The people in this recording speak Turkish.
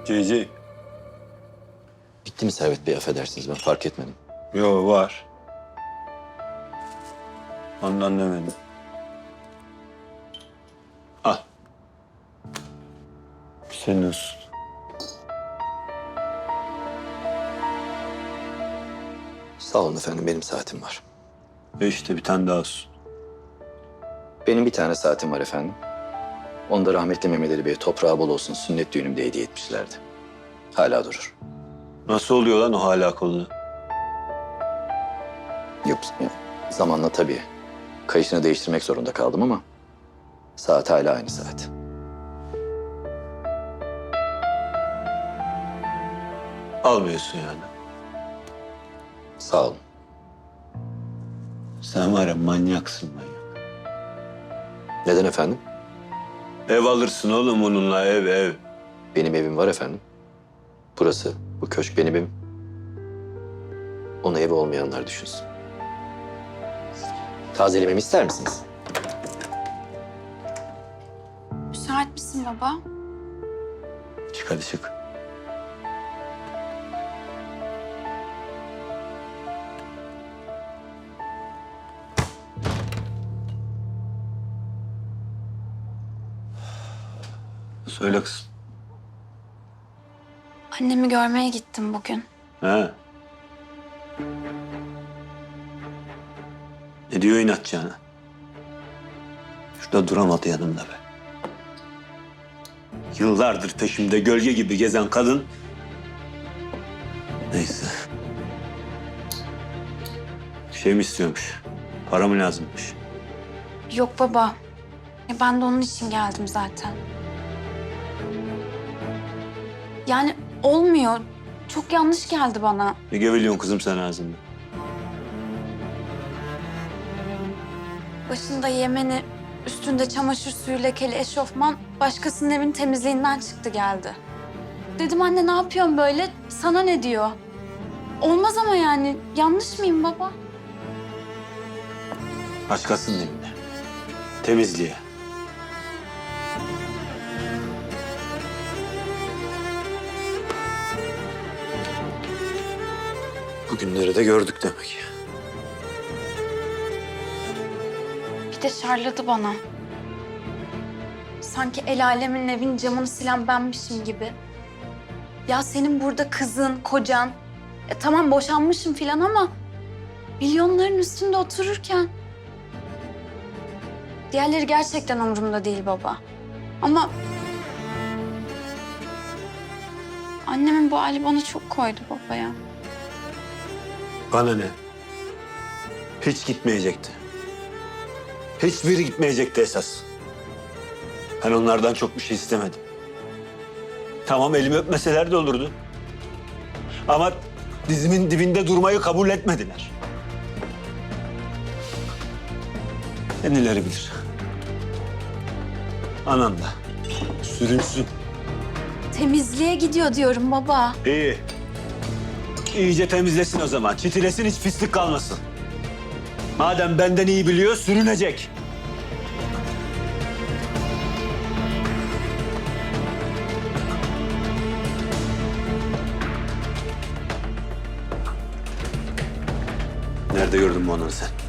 Cici. Bitti mi Servet Bey, affedersiniz ben fark etmedim. Yo var. Ondan demedim. Al. Senin olsun. Sağ olun efendim, benim saatim var. İşte bir tane daha olsun. Benim bir tane saatim var efendim. Onu da rahmetli Mehmet Ali Bey toprağı bol olsun sünnet düğünümde hediye etmişlerdi. Hala durur. Nasıl oluyor lan o hala kolunu? Yok, zamanla tabii kayışını değiştirmek zorunda kaldım ama saat hala aynı saat. Almıyorsun yani. Sağ olun. Sen var ya manyaksın manyak. Neden efendim? Ev alırsın oğlum onunla ev. Benim evim var efendim. Burası, bu köşk benim evim. Ona evi olmayanlar düşünsün. Tazelememi ister misiniz? Müsait misin baba? Çık hadi çık. Söyle kızım. Annemi görmeye gittim bugün. He. Ne diyor inatçı ana? Şurada duramadı yanımda be. Yıllardır peşimde gölge gibi gezen kadın. Neyse. Bir şey mi istiyormuş? Para mı lazımmış? Yok baba. Ben de onun için geldim zaten. Yani olmuyor. Çok yanlış geldi bana. Ne geveliyorsun kızım sen ağzında? Başında Yemeni, üstünde çamaşır suyu lekeli eşofman başkasının evin temizliğinden çıktı geldi. Dedim anne ne yapıyorsun böyle? Sana ne diyor? Olmaz ama yani. Yanlış mıyım baba? Başkasının evine. Temizliğe. Bugünleri de gördük demek. Bir de şarladı bana. Sanki el alemin evin camını silen benmişim gibi. Ya senin burada kızın, kocan. Tamam boşanmışım filan ama milyonların üstünde otururken. Diğerleri gerçekten umurumda değil baba. Ama annemin bu hali bana çok koydu baba ya. Bana ne? Hiç gitmeyecekti. Hiçbiri gitmeyecekti esas. Ben onlardan çok bir şey istemedim. Tamam elimi öpmeseler de olurdu. Ama dizimin dibinde durmayı kabul etmediler. Kendileri bilir. Anan da sürünsün. Temizliğe gidiyor diyorum baba. İyi. İyice temizlesin o zaman. Çitilesin, hiç pislik kalmasın. Madem benden iyi biliyor, sürünecek. Nerede gördün bu ananı sen?